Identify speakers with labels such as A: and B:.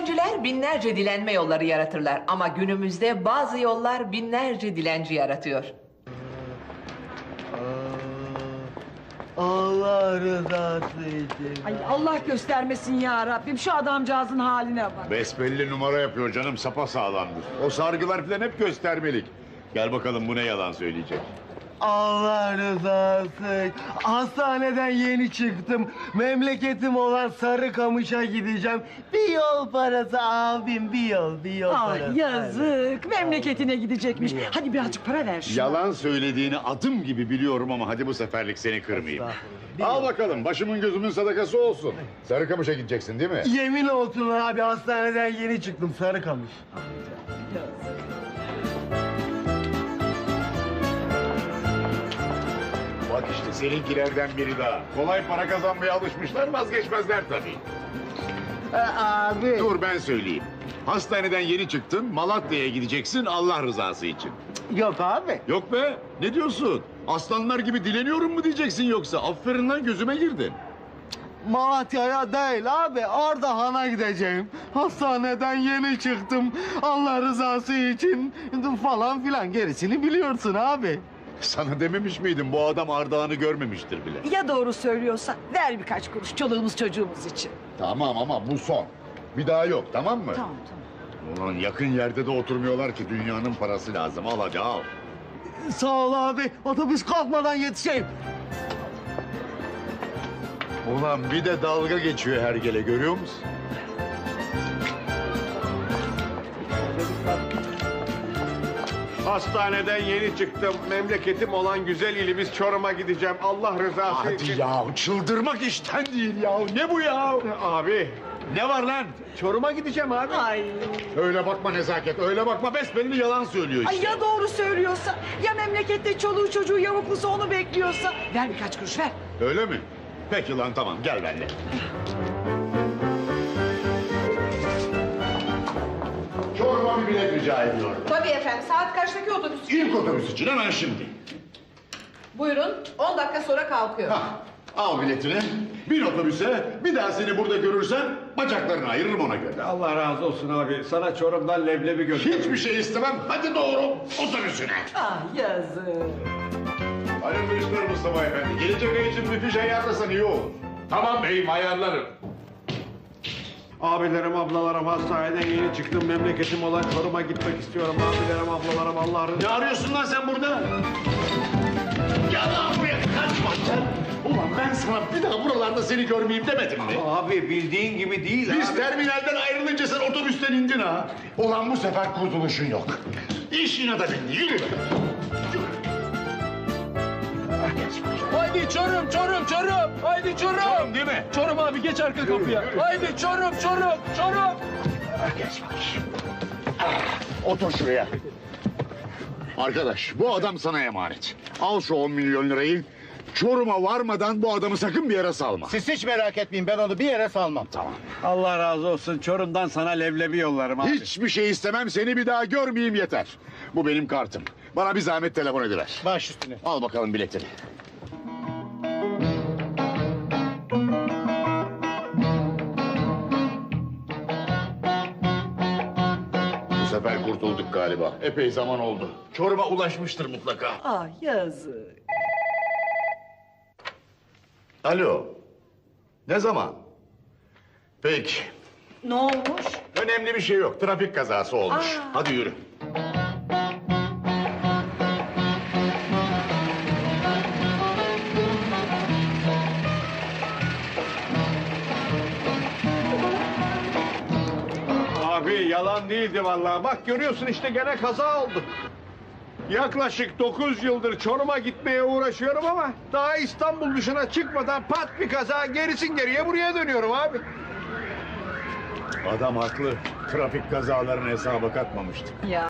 A: Öncüler binlerce dilenme yolları yaratırlar ama günümüzde bazı yollar binlerce dilenci yaratıyor.
B: Allah rızası için.
C: Ay Allah göstermesin ya Rabbim, şu adamcağızın haline bak.
D: Besbelli numara yapıyor canım, sapasağlamdır. O sargılar falan hep göstermelik. Gel bakalım, bu ne yalan söyleyecek.
B: Allah rızası. Hastaneden yeni çıktım. Memleketim olan Sarıkamış'a gideceğim. Bir yol parası abim, bir yol
C: Ay
B: parası.
C: yazık, memleketine gidecekmiş. Hadi birazcık para ver şuna.
D: Yalan söylediğini adım gibi biliyorum ama hadi bu seferlik seni kırmayayım. Al bakalım, başımın gözümün sadakası olsun. Sarıkamış'a gideceksin değil mi?
B: Yemin olsun abi, hastaneden yeni çıktım Sarıkamış.
D: Bak işte seninkilerden biri daha. Kolay para kazanmaya alışmışlar, vazgeçmezler tabii.
B: Abi.
D: Dur ben söyleyeyim. Hastaneden yeni çıktın, Malatya'ya gideceksin Allah rızası için.
B: Yok abi.
D: Yok be, ne diyorsun? Aslanlar gibi dileniyorum mu diyeceksin yoksa? Aferin lan, gözüme girdin.
B: Malatya'ya değil abi, orada hana gideceğim. Hastaneden yeni çıktım. Allah rızası için falan filan, gerisini biliyorsun abi.
D: Sana dememiş miydim, bu adam Ardahan'ı görmemiştir bile.
C: Ya doğru söylüyorsa ver birkaç kuruş çoluğumuz çocuğumuz için.
D: Tamam ama bu son. Bir daha yok, tamam mı?
C: Tamam.
D: Ulan yakın yerde de oturmuyorlar ki, dünyanın parası lazım. Al hadi al.
B: Sağ ol abi, otobüs kalkmadan yetişeyim.
D: Ulan bir de dalga geçiyor hergele, görüyor musun?
E: Hastaneden yeni çıktım. Memleketim olan güzel ilimiz Çorum'a gideceğim. Allah rızası için.
D: Hadi ya, çıldırmak işten değil ya. Ne bu ya?
E: Abi,
D: Ne var lan?
E: Çorum'a gideceğim abi.
C: Ay.
D: Öyle bakma Nezaket, öyle bakma. Besbelli yalan söylüyor
C: Ay
D: işte.
C: ya doğru söylüyorsa, ya memlekette çoluğu çocuğu yavuklusu onu bekliyorsa. Ver birkaç kuruş ver.
D: Öyle mi? Peki lan, tamam, gel benimle. Çorum'a bir bilet rica ediyorum.
A: Tabii efendim, saat kaçtaki otobüs?
D: İlk otobüs için hemen şimdi.
A: Buyurun, 10 dakika sonra kalkıyor.
D: Hah, al biletini, bin otobüse. Bir daha seni burada görürsem bacaklarını ayırırım ona göre.
E: Allah razı olsun abi. Sana Çorum'dan leblebi götür.
D: Hiçbir şey istemem. Hadi doğru otobüsüne.
C: Ah yazık.
D: Hayırlı işler Mustafa Efendi. Gelecek ay için bir fiş ayarlasan iyi olur.
F: Tamam beyim, ayarlarım.
E: Abilerim, ablalarım, hastaneden yeni çıktım. Memleketim olan Çorum'a gitmek istiyorum. Abilerim, ablalarım, Allah rızası.
D: Ne arıyorsun lan sen burada? Gel lan buraya, kaçma sen. Ulan ben sana bir daha buralarda seni görmeyeyim demedim mi?
E: Abi bildiğin gibi değil
D: Biz
E: abi.
D: terminalden ayrılınca sen otobüsten indin ha. Ulan bu sefer kurtuluşun yok. İş yine de bindi, yürü.
F: Haydi Çorum, Çorum, Çorum. Haydi Çorum.
D: Çorum değil mi?
F: Çorum abi, geç arka kapıya. Haydi Çorum, Çorum, Çorum.
D: Geç bakayım. Otur şuraya. Arkadaş, bu adam sana emanet. Al şu 10 milyon lirayı. Çorum'a varmadan bu adamı sakın bir yere salma.
B: Siz hiç merak etmeyin, ben onu bir yere salmam.
D: Tamam.
E: Allah razı olsun. Çorum'dan sana leblebi yollarım abi.
D: Hiçbir şey istemem, seni bir daha görmeyeyim yeter. Bu benim kartım. Bana bir zahmet telefon ediver.
B: Baş üstüne.
D: Al bakalım biletini. Bu sefer kurtulduk galiba. Epey zaman oldu. Çorum'a ulaşmıştır mutlaka.
C: Ah yazık.
D: Alo. Ne zaman? Peki.
C: Ne olmuş?
D: Önemli bir şey yok. Trafik kazası olmuş. Hadi yürü.
E: Abi yalan değildi vallahi. Bak görüyorsun işte, gene kaza oldu. Yaklaşık 9 yıldır Çorum'a gitmeye uğraşıyorum ama daha İstanbul dışına çıkmadan pat bir kaza, gerisin geriye buraya dönüyorum abi.
D: Adam haklı. Trafik kazalarını hesaba katmamıştım.
C: Ya.